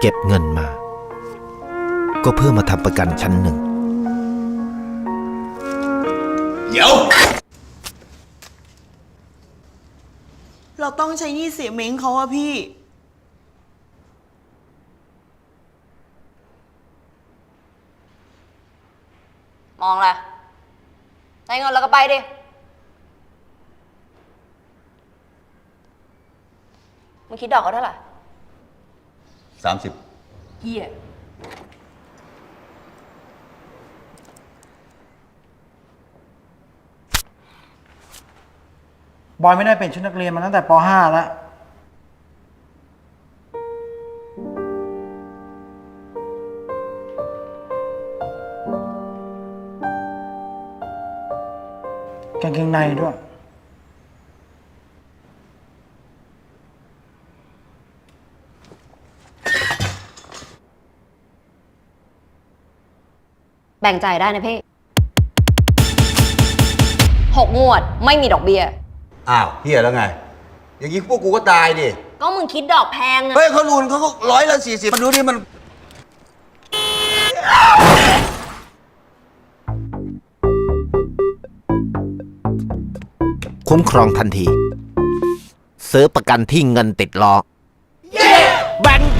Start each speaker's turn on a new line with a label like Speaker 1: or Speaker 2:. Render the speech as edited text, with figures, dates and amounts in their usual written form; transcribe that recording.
Speaker 1: เก็บเงินมาก็เพื่อมาทำประกันชั้นหนึ่ง
Speaker 2: เดี๋ยว
Speaker 3: เราต้องใช้หนี้เสียเม้งเขาอะพี่
Speaker 4: มองอะไรได้เงินแล้วก็ไปดิมึงคิดดอกเขาเท่าไหร่
Speaker 2: 30
Speaker 4: เหี้ย
Speaker 5: บอยไม่ได้เป็นชุดนักเรียนมาตั้งแต่ป .5 แล้วกางเกงในด้วย
Speaker 4: แบ่งจ่ายได้นะพี่6 งวดไม่มีดอกเบี้ย
Speaker 2: อ้าวเฮียแล้วไง อย่างนี้พวกกูก็ตายดิ
Speaker 4: ก็มึงคิดดอกแพงอะ
Speaker 2: เฮ้ยเขารูนเขาก็140มาดูดิมัน
Speaker 1: คุ้มครองทันทีซื้อประกันที่เงินติดล้อแบ่ง